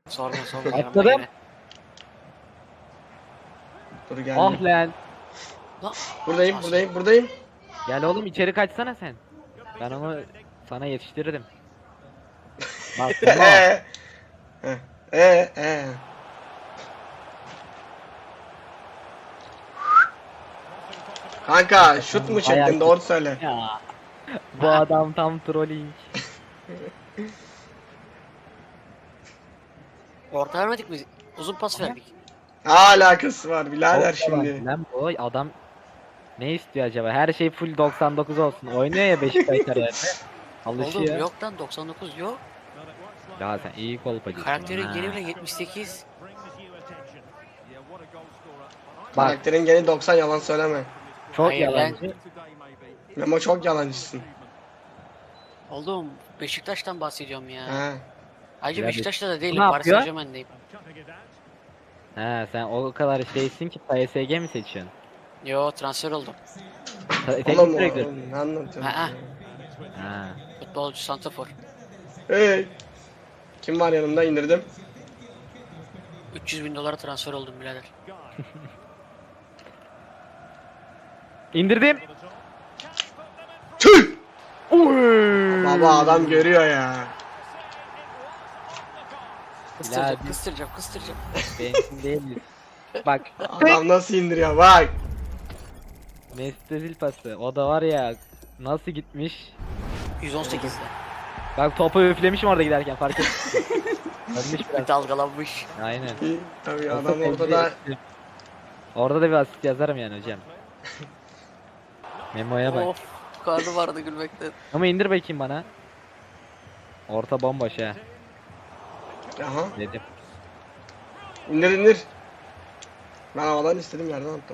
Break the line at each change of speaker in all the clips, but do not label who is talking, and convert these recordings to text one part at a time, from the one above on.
Sorma
Atladım.
Dur
Ah
geldim.
lan.
Buradayım.
Gel oğlum içeri kaçsana sen. Ben onu sana yetiştiririm. Bak Memo.
Heh. Ee. Kanka şut mu
Bayağı
çektin doğru söyle.
Ya. Bu adam tam trolling.
Orta vermedik mi? Uzun pas verdik.
Ne alakası var birader
Çok yalancı
şimdi.
lan bu adam ne istiyor acaba? Her şey full 99 olsun. Oynuyor ya Beşiktaş kariyerinde.
Oğlum
Alışıyor.
yok lan 99 yok.
Ya sen iyi kolpacısın.
Karakterin
ha.
geri bile 78.
Bak
Karakterin gene 90 yalan söyleme.
çok
Hayır lan.
yalancı.
Memo çok yalancısın.
Oğlum Beşiktaş'tan bahsediyorum ya.
He.
Ayrıca
Ya
Beşiktaş'ta da değilim.
ne
Paris
yapıyor?
Saint-Germain'deyim.
He sen o kadar şeysin ki PSG mi seçiyorsun?
Yo transfer oldum.
Teknik
Oğlum
direktör.
ne anlatıyorsun?
Ha, ha.
Ha.
Futbolcu santrafor.
Hey. Kim var yanımda indirdim.
300.000 dolara transfer oldum birader.
İndirdim.
Tüh!
Uy.
Baba adam görüyor ya.
Kıstıracağım.
Bensin değiliz. Bak
Adam nasıl indiriyor bak.
Mesut Özil pası. O da var ya nasıl gitmiş.
118'de.
Bak topu üflemişim orada giderken fark ettim. Ölmüş biraz.
Bir dalgalanmış.
Aynen.
Tabii
Olsa
adam orada
tebrik
da
ederim. Orada da bir asist yazarım yani hocam. Memo'ya bak.
Of karnım vardı gülmekten.
Ama indir bakayım bana. Orta bomboş ha
aha
dedim.
indir. Ben havadan istedim yerden attım.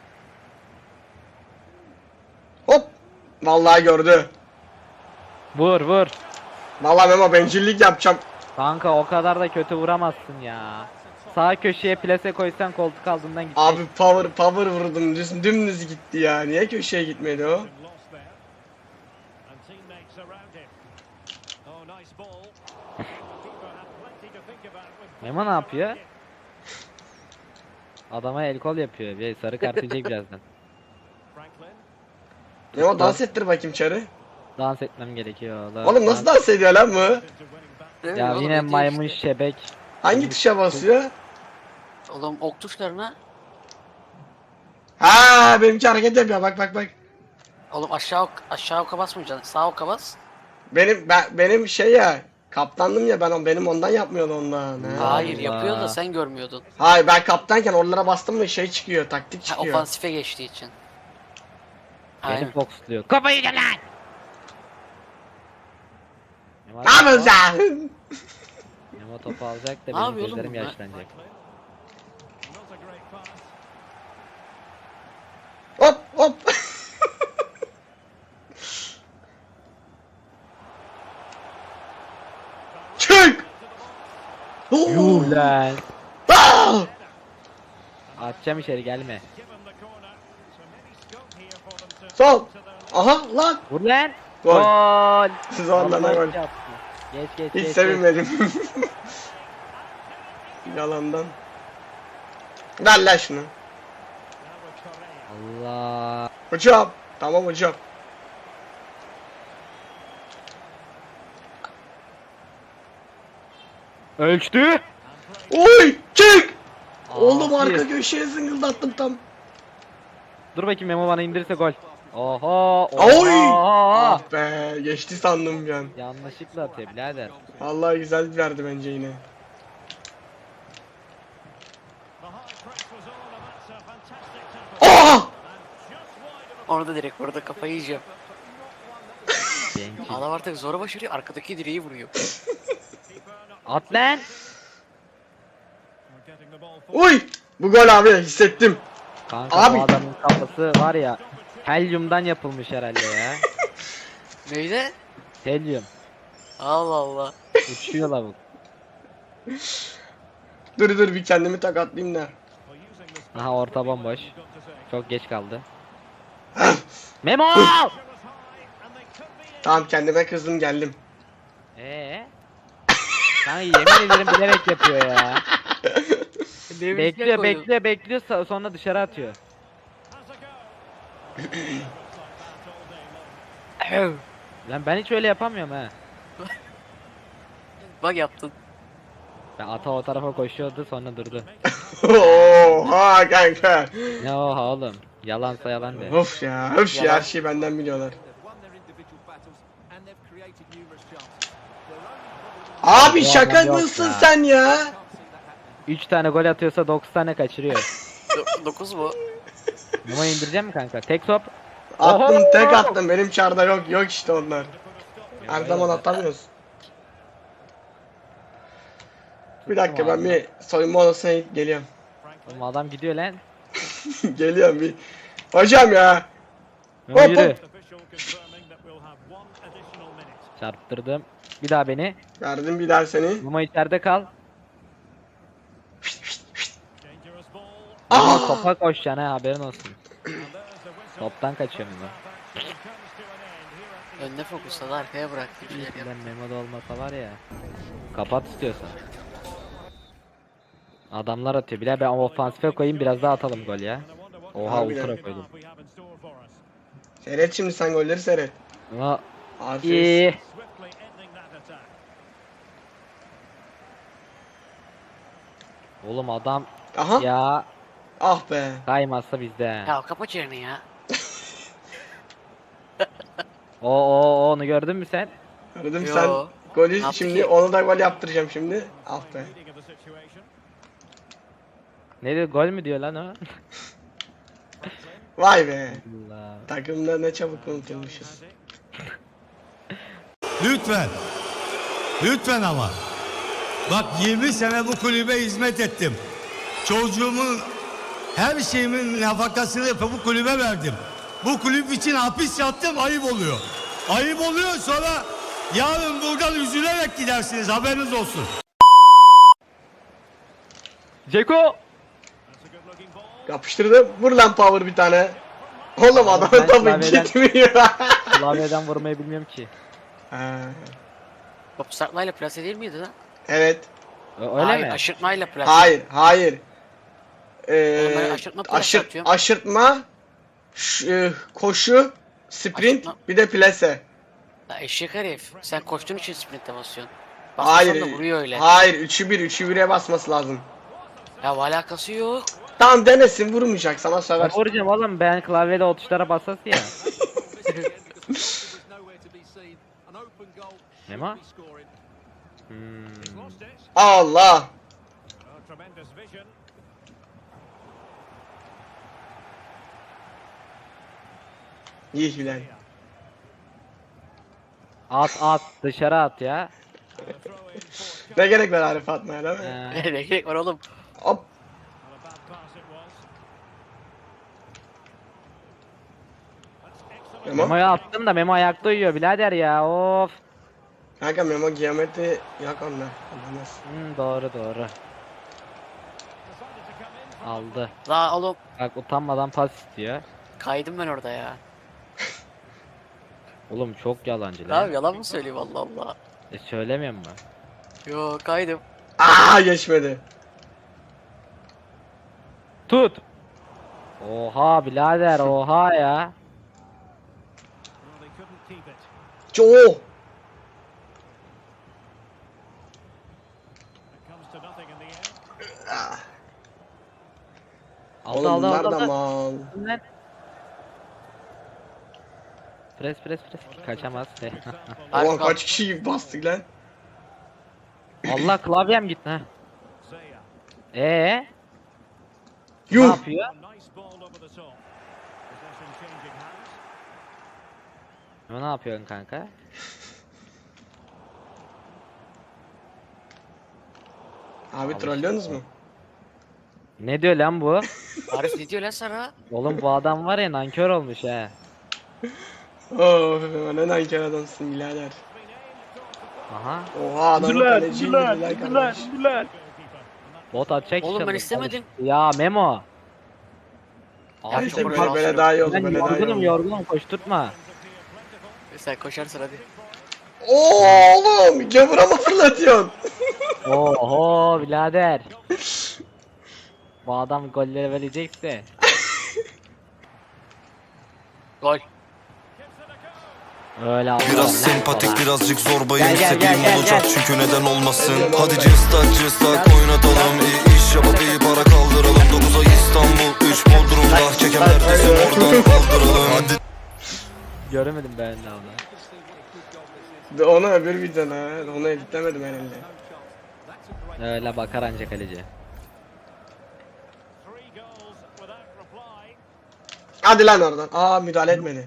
Hop. Vallahi gördü.
Vur.
Vallahi Memo bencillik yapacağım.
Kanka o kadar da kötü vuramazsın ya. Sağ köşeye plase koysan koltuk altından gidecek.
Abi power vurdum dümdüz gitti ya. Niye köşeye gitmedi o?
Memo ne yapıyor? Adama el kol yapıyor. Bir sarı kart yiyecek birazdan.
Memo dans ettir bakayım çarı.
Dans etmem gerekiyor.
Oğlum nasıl dans ediyor lan bu?
Ya yine maymun şebek.
Hangi tuşa basıyor?
Oğlum ok tuşlarına.
Ha benimki hareket yapıyor bak.
Oğlum aşağı oka basmayacaksın. Sağ oka bas.
Benim şey ya kaptandım ya benim ondan yapmıyordu ondan. Ha.
Hayır
Allah.
yapıyor da sen görmüyordun.
Hayır ben kaptanken oralara bastım mı şey çıkıyor taktik
Ha,
çıkıyor.
ofansife geçtiği için.
Beni
Aynen.
foxluyor. Kafayı yiyeceğim lan!
Ne yapıyorsun sen?
Memo topu alacak da
Ne
benim
yapıyor oğlum
gözlerim
bunlar?
yaşlanacak.
Hop. Çık.
Yuh lan!
Aa!
Atacağım içeri gelme.
Sol. Aha lan.
Vur lan!
Gol.
Gol!
Zorlana
Allah
gol.
yaptı. Geç.
Hiç sevinmedim. Yalandan. Ver lan şunu.
Allah!
Hocam. Tamam hocam.
Ölçtü!
Oy çık. Oğlum
Aa,
arka
bir.
köşeye zıngıldattım tam.
Dur bakayım Memo bana indirse gol. Oho!
Oy!
Oha!
Ah be geçti sandım bir an.
Yanlışlıkla atıyor birader.
Vallahi güzel verdi bence yine. Ah!
Orada direkt burada kafayı yiyeceğim.
Genç.
Adam artık zora başarıyor. Arkadaki direği vuruyor.
At lan!
Uy! Bu gol abi hissettim.
Kanka
Abi.
bu adamın kafası var ya helyumdan yapılmış herhalde ya.
Neydi?
Helyum.
Allah Allah.
Uçuyor lavuk.
Dur bir kendimi takatlayayım da.
Aha orta bomboş. Çok geç kaldı. Memo!
Tamam kendime kızdım geldim.
Kanka yemin ederim bilerek yapıyor ya.
Ne
Bekliyor
koydum?
bekliyor sonra dışarı atıyor. Lan ben hiç öyle yapamıyorum ha.
Bak yaptın.
Ben ata o tarafa koşuyordu sonra durdu.
Oha kanka.
Ne oha oğlum. Yalansa yalan de.
Of ya, öf ya,
Yalan.
her şeyi benden biliyorlar. Abi
Bu
şaka
adam yok
mısın
ya.
sen ya?
3 tane gol atıyorsa 9 tane kaçırıyor.
9 mu?
Bunu indireceğim mi kanka? Tek top.
Attım,
Oho!
tek attım, benim çarda yok işte onlar. Her zaman atamıyoruz. Bir dakika, ben bir soyunma odasına gidip geliyorum.
Oğlum adam gidiyor lan.
Geliyorum bir. Hocam ya.
Memo
Hop,
yürü.
hop.
Çarptırdım. Bir daha beni.
Verdim bir daha seni.
Memo içeride kal.
Ah!
Memo topa koşacaksın ha, haberin olsun. Toptan kaçıyor Memo.
Önüne fokusladı, arkaya bıraktı. Bir şeyler yap.
Lan Memo'da olmasa var ya. Kapat istiyorsan. Adamlar atıyor. Bile ben ofansife koyayım, biraz daha atalım gol ya. Oha
Harbiden.
ultra koydum.
Seyret şimdi, sen golleri seyret.
Ama
Aferin.
iyi. Oğlum adam
Aha.
ya
Ah be.
kaymazsa bizde.
Ya kapa çeneni ya.
Onu gördün mü sen?
Gördüm
Yo.
sen. Golü
Ne yaptı
şimdi,
ki?
onu da gol yaptıracağım şimdi. Ah be.
Ne diyor, gol mü diyor lan o?
Vay be.
Allah.
Takımda ne çabuk unutulmuşuz.
Lütfen. Lütfen ama. Bak 20 sene bu kulübe hizmet ettim. Çocuğumun her şeyimin nafakasını yapıp bu kulübe verdim. Bu kulüp için hapis yattım, ayıp oluyor. Ayıp oluyor, sonra yarın buradan üzülerek gidersiniz, haberiniz olsun.
Ceko!
Yapıştırdım. Vur lan power bir tane. Oğlum adamın
ben
topu
klavyeden-
gitmiyor.
Klavyeden vurmayı bilmiyorum ki.
Ha,
Top saklayla plase değil miydi lan?
evet.
Öyle
Hayır,
mi?
aşırtmayla plase.
Hayır.
Oğlum ben aşırtma plase atıyorum.
Aşırtma, koşu, sprint,
Aşırtma.
bir de plase.
Ya eşek herif. Sen koştuğun için sprinte basıyorsun.
Hayır.
Basmasan da vuruyor öyle.
Hayır, 3'e basması lazım.
Ya alakası yok.
Tamam, denesin, vurmayacak sana, söver.
Ben vuracağım oğlum, ben klavyede o tuşlara basası ya. Memo?
Allah. İyi Hilal.
At dışarı at ya.
Ne gerek var Arif atmaya, değil mi?
Ee,
Ne gerek var oğlum?
Hop. Memo.
Memo'ya attım da Memo ayakta uyuyor birader ya, of.
Kanka Memo geometri yok onda. Anlamaz.
Doğru. Aldı.
La oğlum
Bak utanmadan pas istiyor.
kaydım ben orada ya.
Oğlum çok yalancı lan.
Abi yalan mı söyleyeyim Allah Allah.
Söylemiyorum mu?
Yo kaydım.
Aa, geçmedi.
Tut. Oha birader, oha ya.
Joe.
Aldı
Oğlum bunlar da
aldı.
mal.
Lan. Pres. Kaçamaz.
Arif
Ulan
kal.
kaç kişi bastık lan.
Allah klavyem gitti ha. Ne
Yuh.
yapıyor? Ne yapıyorsun kanka?
Abi trollüyorsunuz mu?
Ne diyor lan bu?
Arif ne diyor lan sana?
Oğlum bu adam var ya, nankör olmuş ha.
Oh, ne nankör adamsın birader.
Aha.
Oha, adamın kaleciyi indiler kardeş.
Bot atacak
Oğlum ben
inşallah.
istemedim.
Ya Memo.
Ya
Abi
çok
İşte
çok
böyle-
böyle daha iyi oldu,
ben
böyle daha iyi oldu.
yorgunum koşturtma.
Sen koşarsın hadi.
Oğlum gavura mı fırlatıyorsun?
Oho birader. Bu adam golleri verecekse.
Gol.
Öyle Allah.
Biraz sempatik birazcık zorbayım,
Gel, gel,
istediğim
gel, gel,
olacak
gel.
çünkü neden olmasın.
Gel,
Hadi
gel.
cıstak oynatalım, iyi iş yapıp iyi para kaldıralım. 9 ay İstanbul, 3 Bodrum'da çekemler desin oradan kaldıralım. Hadi
Göremedim ben de onu.
Onu öbür videoda, onu editlemedim herhalde.
Öyle bakar anca kaleci.
Hadi lan oradan. Aa müdahale etmedi.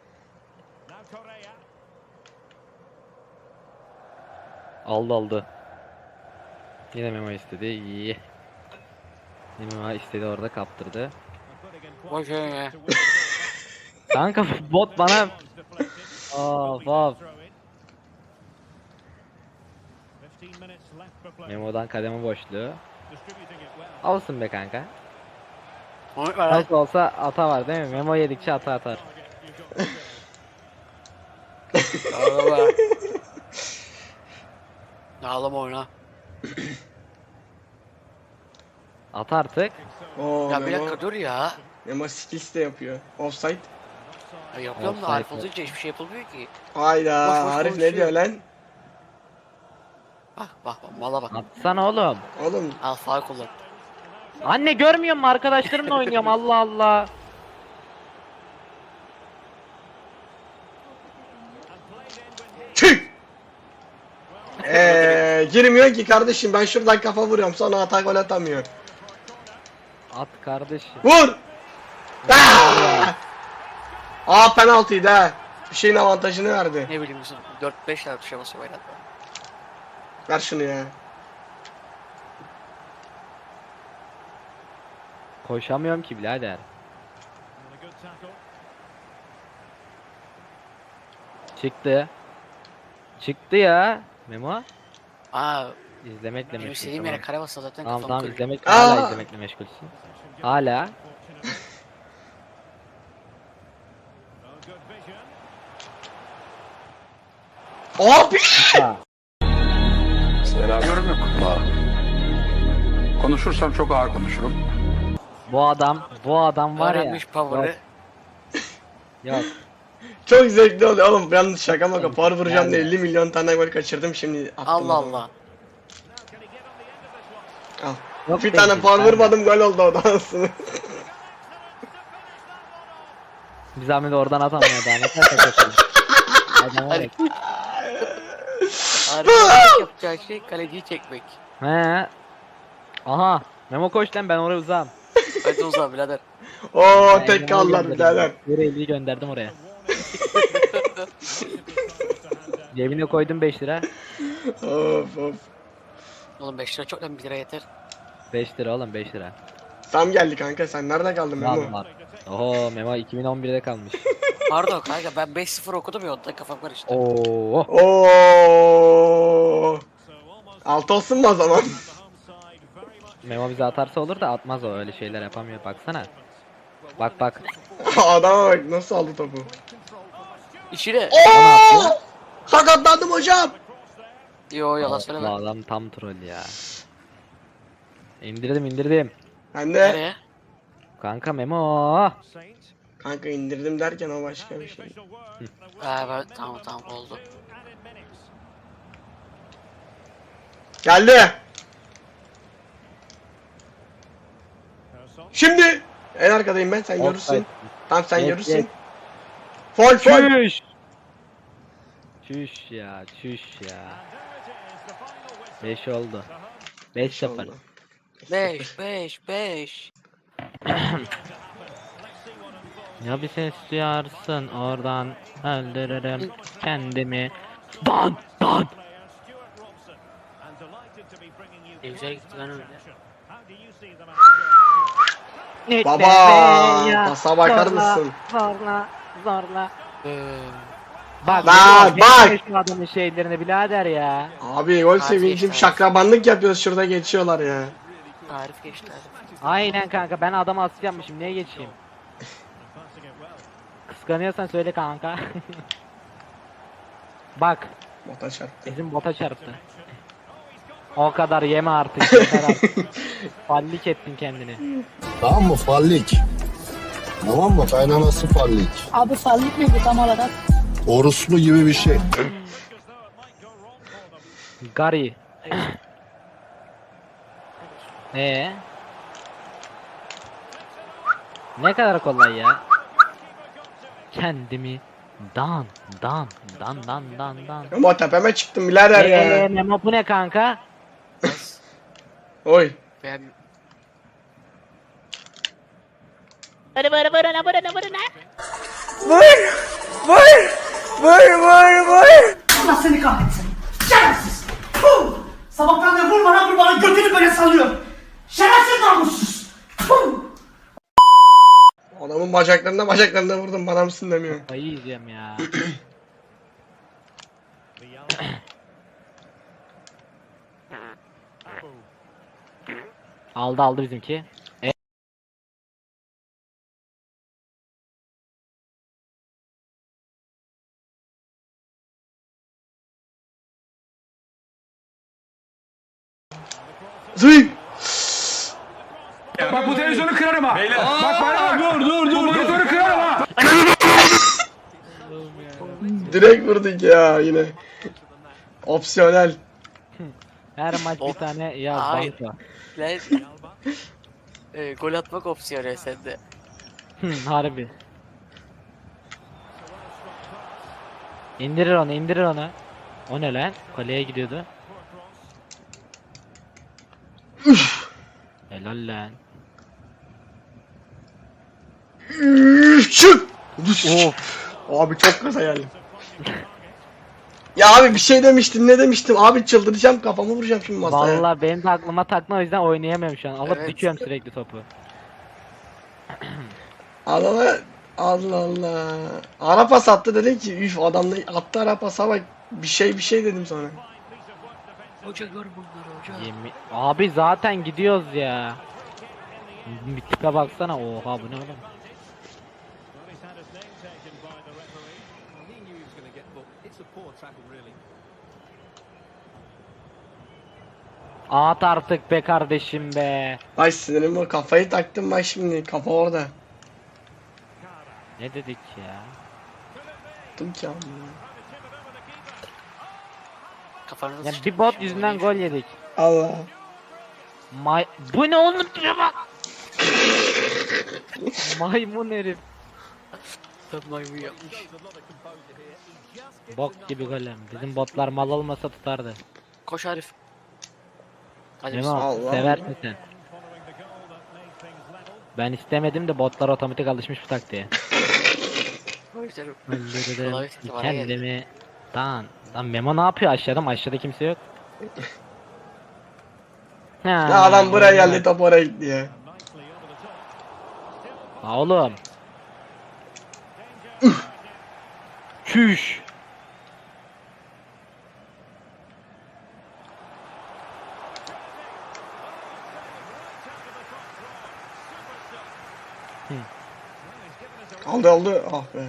Aldı. Yine Memo istedi. İyi. Yine Memo istedi orada kaptırdı.
Gol ya.
Kanka bot bana. Of. Memo'dan kademe boşluğu. Olsun be kanka.
Onu ver lan.
Nasıl olsa ata var değil mi? Memo yedikçe ata atar.
Ağlama. Ağlama oyna.
At artık.
Oo
Ya bir
Memo.
dakika dur ya.
Memo skills de yapıyor. Offside.
Ya yapıyorum da
Offside
Arif
mi?
olunca hiçbir şey yapılmıyor ki.
Hayda.
Boş boş
Arif ne
konuşuyor.
diyor lan?
Bak mala bak.
Atsana oğlum.
Oğlum
Al sağ kullan.
Anne görmüyor musun? Arkadaşlarımla oynuyorum Allah Allah.
tüh. Girmiyor ki kardeşim, ben şuradan kafa vuruyorum sonra atak gol atamıyor.
At kardeşim.
Vur! Aa penaltıydı ha. Bir şeyin avantajını verdi.
Ne bileyim bizim 4-5 tane tuşa basıyor oynadı.
Ver şunu ya.
Koşamıyorum ki birader. Çıktı. Çıktı ya. Memo.
Aa
İzlemekle
benim
meşgul.
istediğim yere kare bassa zaten
Tamam
kafam
tamam
kırık.
izlemek
Aa!
hala izlemekle meşgulsün. Hala.
Abi!
Yorum yok. Konuşursam çok ağır konuşurum.
Bu adam var ya.
Öğrenmiş power'ı.
Yok.
Çok zevkli oluyor oğlum. Yalnız şaka maka par vuracağım da
Yani.
50 milyon tane gol kaçırdım şimdi. attım
Allah
adamı.
Allah.
Al.
Yok
Bir
değil,
tane par
ben de.
vurmadım gol oldu o da aslında.
Bir zahmet oradan atamıyor daha ne kadar kaçırdım. Adam var ya.
Arif yapacağı şey kaleciyi çekmek.
He. Aha. Memo koş lan ben oraya uzağım.
Hadi uzan birader.
Oo
Ben
tek
Memo'yu
kaldılar
gönderdim.
birader.
Yüreğliyi gönderdim oraya. Cebine koydum 5 lira.
Of.
Oğlum 5 lira çok lan 1 lira yeter.
5 lira oğlum 5 lira.
Sam geldi kanka, sen nerede kaldın Memo?
Var. Oho Memo 2011'de kalmış.
Pardon kanka ben 5-0 okudum ya ondan kafam karıştı.
Oo.
Oo. Altı olsun mu o zaman?
Memo bize atarsa olur da atmaz o öyle şeyler yapamıyor baksana. Bak.
Adama bak nasıl aldı topu.
İçine.
Oo! Sakatlandım hocam.
Yo yalan
Bu
söyleme.
adam tam troll ya. İndirdim.
Ben de
Nereye?
Kanka Memo.
kanka indirdim derken o başka bir şey.
Ben tamam oldu.
Geldi. Şimdi en arkadayım ben, sen görürsün. Tamam sen
Geç,
görürsün.
geç.
Fol.
Çüş ya. 5 oldu. 5-0.
oldu.
5.
Ya bir ses duyarsın oradan öldürürüm kendimi. Dan.
Güzel gitti lan öyle.
Baba pasa bakar mısın?
Zorla.
Ee,
Bak
Bak, bak.
Şu adamın şeylerini birader ya.
Abi gol
Hadi
sevincim,
işte.
şakrabanlık yapıyoruz şurada, geçiyorlar ya.
Arif geçti Arif.
Aynen kanka ben adama asist yapmışım niye geçeyim? Kıskanıyorsan söyle kanka. Bak
Bota çarptı.
Bizim bota çarptı. O kadar yeme artık. Yeter artık. Fallik ettin kendini.
Tamam mı? Fallik. Tamam mı? Kaynanası fallik.
Abi fallik ne bu tam olarak?
Orospu gibi bir şey.
Gary. Ne kadar kolay ya. Kendimi dan.
Ama tepeme çıktım birader ya.
Memo bu ne kanka?
Oy.
Ben
Vur.
Allah seni kahretsin. Şerefsiz. Puh! Sabahtan beri vur bana götünü böyle sallıyor. Şerefsiz namussuz. Puh!
Adamın bacaklarına vurdum, bana mısın demiyor.
Ayı yiyeceğim ya. Aldı bizimki.
Zıy.
Bak bu televizyonu kırarım ha. Bak bana bak. Dur. Bu televizyonu kırarım ha.
Direkt vurduk ya yine. Opsiyonel.
Her maç bir tane yaz
Hayır.
banka.
lan gol atmak opsiyonu sende.
Harbi. İndirir onu. O ne lan? Kaleye gidiyordu. Helal lan.
Çık.
Of.
Abi çok gaza geldim. Ya abi bir şey demiştin, ne demiştim? Abi çıldıracağım, kafamı vuracağım şimdi masaya.
Vallahi benim de aklıma takma, o yüzden oynayamıyorum şu an. Alıp
Evet.
dikiyorum sürekli topu.
Allah Allah. Ara pas attı, dedi ki üf adam da attı ara pasa bak, bir şey dedim sonra.
Hoca gör bunları hoca.
Abi zaten gidiyoruz ya. Bir tipe baksana. Oha bu ne oğlum? At artık be kardeşim be.
Ay sinirim o, kafayı taktım bak şimdi, kafa orada.
Ne dedik ya?
Tuttum ki abi.
Kafanızı
Ya
sıçtım.
bir bot yüzünden gol yedik.
Allah.
Bu ne oğlum, şuna bak. Maymun herif.
Maymun yapmış.
Bok gibi golem. Bizim botlar mal olmasa tutardı.
Koş Arif. Hadi
Memo
Allah.
seversin sen. Ben istemedim de botlar otomatik alışmış bu taktiğe.
Öldürürüm.
Öldürdüm
Kolay gitti, bana geldi.
kendimi. Lan Memo ne yapıyor aşağıda? Aşağıda kimse yok.
Ya adam buraya geldi, top oraya gitti ya.
Ha oğlum. Çüş.
Aldı. Ah be.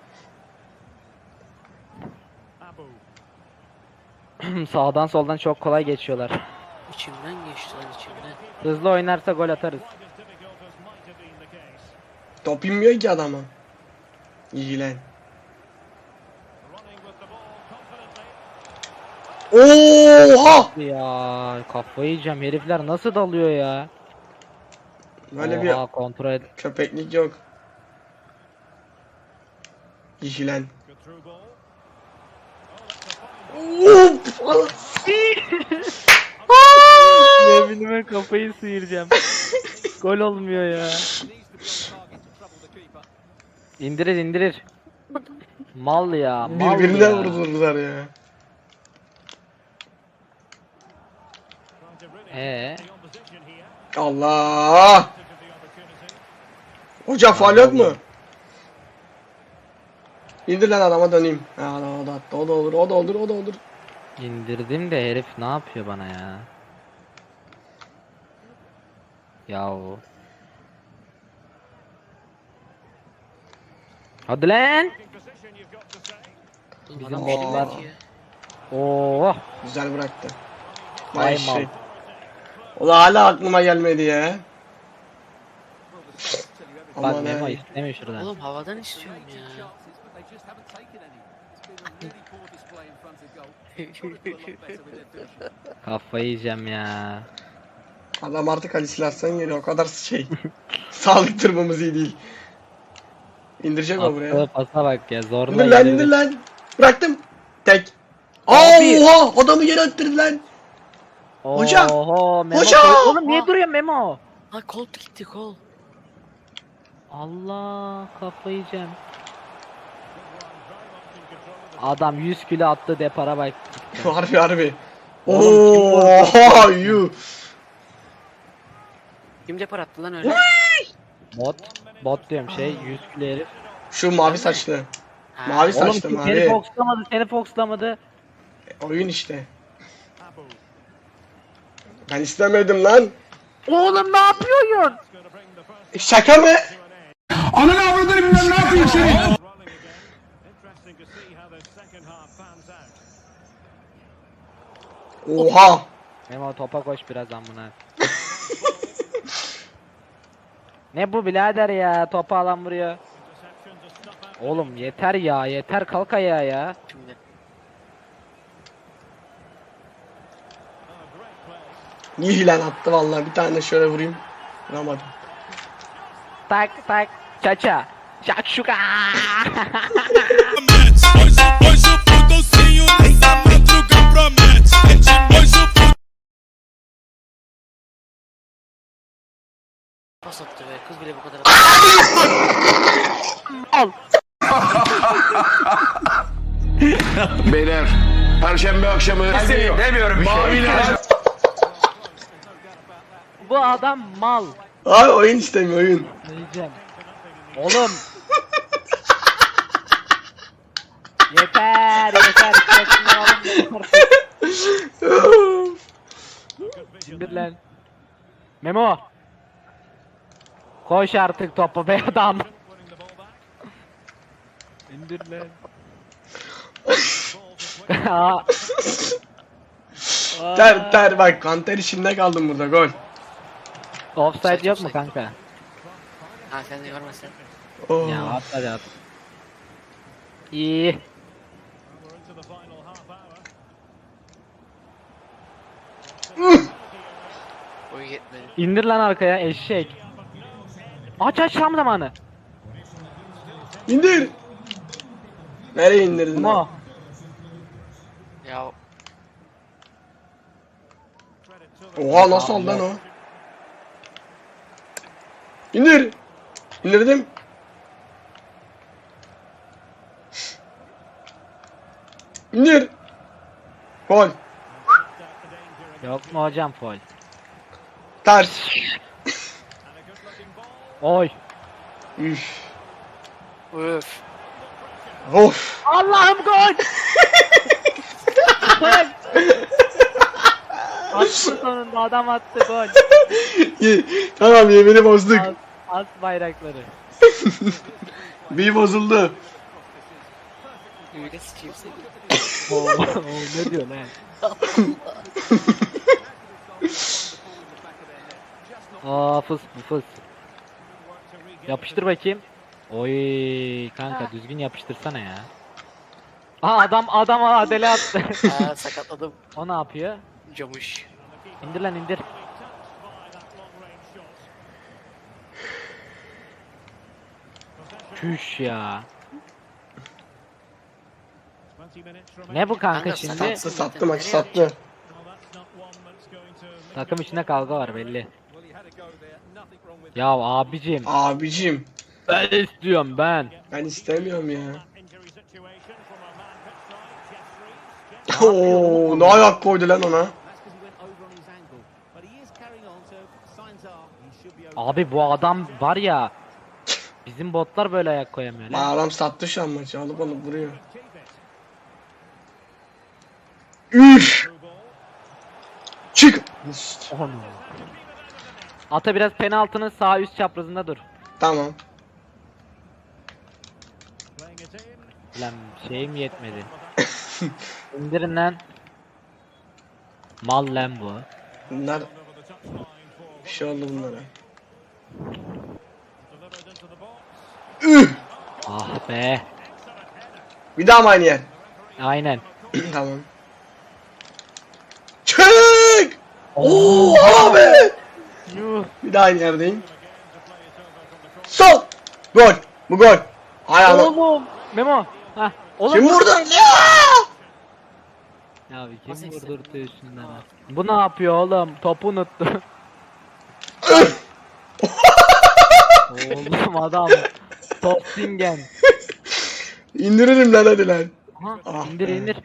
Sağdan soldan çok kolay geçiyorlar.
İçimden geçti lan içimden.
Hızlı oynarsa gol atarız.
Top inmiyor ki adama. İyi lan. Oha!
Ya kafayı yiyeceğim, herifler nasıl dalıyor ya?
Böyle
Oha, kontrol et.
bir köpeklik yok. İyi lan.
Yeminime kafayı sıyıracağım. Gol olmuyor ya. İndirir. Mal ya, mal
Birbirine
ya.
vurdular ya. Allah! Hoca faul yok mu? İndir lan, adama döneyim. Ya o da attı. O da olur.
İndirdim de herif ne yapıyor bana ya? Yahu. Hadi lan. Bizim
Adam
botlar
bilmiyor ki.
Oo.
Güzel bıraktı.
Vay
Vay
mal.
şey. Ulan hala aklıma gelmedi ya.
Bak
Aman
Memo
ha.
istemiyor şuradan.
Oğlum havadan istiyorum ya.
Kafayı yiyeceğim ya.
Adam artık Ali Silahsan geliyor. O kadar şey. Sağlık durumumuz iyi değil. İndirecek o buraya.
Attığı pasa bak ya, zorla
İndir lan
indirdi.
indir lan. Bıraktım. Tek.
Abi.
Oha adamı yere attırdı lan. Hocam!
Oho, Memo
Hocam!
Oğlum niye duruyor Memo?
Ha kol gitti kol.
Allah, kafayı yiyeceğim. Adam 100 kilo attı depara bak.
Harbi harbi.
Oğlum, kim
Oha yuh.
Kim depar attı lan öyle?
Bot diyorum 100 kilo herif.
Şu mavi saçlı.
Ha.
Mavi
Oğlum
saçlı
seni
mavi.
foxlamadı, seni foxlamadı.
Oyun işte. Ben istemedim lan.
Oğlum ne yapıyorsun?
Şaka mı?
Ananı avradını bilmem ne yapayım seni.
Oha.
Memo topa koş biraz amına. Ne bu birader ya, topu alan vuruyor. Oğlum yeter ya, yeter, kalk ayağa ya.
Şimdi.
İyi lan attı vallahi. Bir tane şöyle vurayım. Vuramadım.
Tak tak çaça. Şakşuka.
Pas attı be kız bile bu kadar.
Beyler, Perşembe akşamı demiyorum maviler.
Bu adam mal.
Ay oyun istemiyor oyun.
Diyeceğim. Oğlum. Yeter yeter. Şurasından alın yeter. İndir lan. Memo. Koş artık topu be adam. İndir lan. Aa.
Ter bak kanter işinde kaldım burada gol.
Offside yok mu kanka?
Ha sen de görmesen.
Oh.
Ya at hadi at. İyi.
Oy yetmedi.
İndir lan arkaya eşek. Aç tam zamanı.
İndir. Nereye indirdin? lan?
Mo.
Ya
Oha nasıl oldu lan o? İndir. İndirdim. İndir. Gol.
Yok mu hocam foul?
Ters.
Oy.
Üf.
öf.
Of.
Allah'ım gol. Gol. Attı sonunda, adam attı gol.
Tamam yemini bozduk.
As bayrakları.
Bir bozuldu.
Ümide sıçayım seni.
Oo, ne diyor lan? Aa fıs bu fıs. Yapıştır bakayım. Oy kanka düzgün yapıştırsana ya. Aa adam adele attı.
Ha sakatladım.
O ne yapıyor?
Camış.
İndir lan indir. Çüş ya. Ne bu kanka
Kanka,
şimdi?
sakat.
Sattı maçı sattı.
Takım içinde kavga var belli. Ya abicim
Abicim.
ben istiyorum ben.
Ben istemiyorum ya. Oo, ne ayak koydu lan ona.
Abi bu adam var ya. Bizim botlar böyle ayak koyamıyor lan.
Adam sattı şu an maçı. Alıp vuruyor. Üf. Çık.
Onu. Ata biraz penaltının sağ üst çaprazında dur.
Tamam.
Lan şeyim yetmedi. İndirin lan. Mal lan bu.
Bunlar bir şey oldu bunlara.
Ah be.
Bir daha mı aynı yer?
Aynen.
Tamam. Çek! Oo abi!
Yuh.
Bir daha aynı yerdeyim. Sol! Gol! Bu gol! Hay Allah!
Oğlum. Memo. Hah. Oğlum.
Kim vurdu?
Ya abi
Nasıl
kim
ikisi?
vurdurdu üstünden ha? Bu ne yapıyor oğlum? Topu unuttu. Oğlum adam. Topsingen.
İndiririm lan hadi lan.
Aha,
Ah
indir
be.
indir.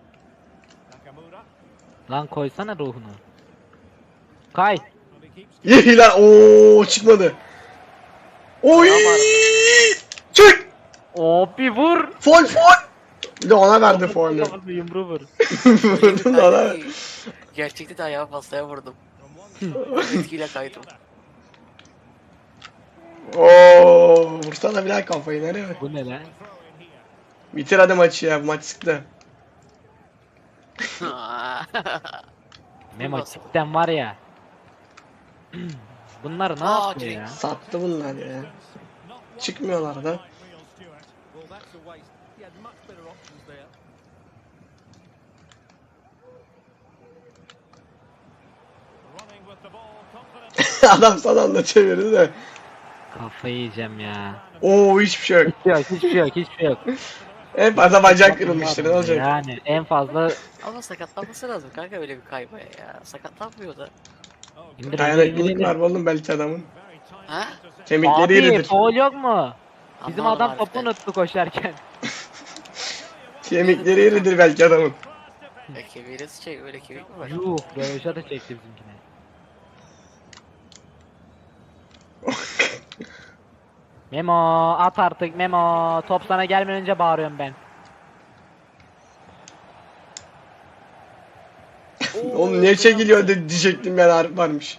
Lan koysana ruhunu. Kay.
İyi lan. Oo çıkmadı. Oy! Çık!
Hop bir vur.
Fol fol! Bir de ona verdi foul'ü.
Kafası yumruğu vur.
Vurdum da ona.
Gerçekte de ayağı pastaya vurdum. Etkiyle kaydım.
Oo, vursana bir daha kafayı nereye?
Bu ne lan?
Bitir hadi maçı ya. Bu maç sıktı.
Memo cidden var ya. Bunlar ne
Aa,
yapıyor ya?
Sattı bunlar ya. Çıkmıyorlar da. Adam son anda çevirdi de.
Kafayı yiyeceğim ya.
Oo hiçbir şey yok.
Hiçbir şey yok, hiçbir şey yok.
En fazla bacak kırılmıştır ne olacak?
Yani en fazla
Ama sakatlanması lazım kanka öyle bir kaybaya ya. Sakatlanmıyor da.
indir.
Dayanıklılık var oğlum belki adamın.
Ha?
Kemikleri
Abi
iridir.
foul yok mu? Bizim
Anlamadım
adam topu
harbiden.
unuttu koşarken.
Kemikleri iridir belki adamın.
Kemiğiniz şey öyle kemik mi var?
Yuh, röveşata çekti bizimkine. Memo at artık Memo. Top sana gelmeden önce bağırıyorum ben.
Oğlum niye çekiliyor diyecektim ben Arif varmış.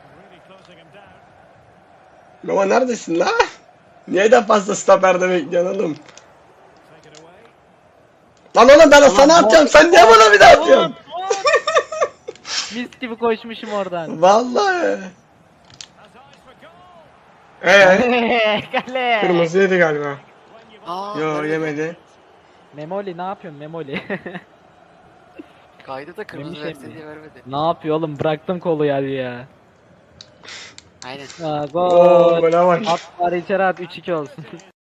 Baba neredesin la? Niye de fazla stoperde bekliyorsun oğlum? Lan oğlum ben sana atacağım sen niye bana bir daha atıyorsun?
Mis gibi koşmuşum oradan.
Vallahi.
Kale.
Kırmızı yedi galiba.
Aa,
Yo
nerede?
yemedi.
Memoli ne yapıyorsun Memoli?
Kaydı da kırmızı
Yemiş
verse
mi?
diye vermedi.
Ne yapıyor oğlum bıraktım kolu ya.
Aynen.
Ha,
Oo
gol.
bana bak.
At var içeri at 3-2 olsun.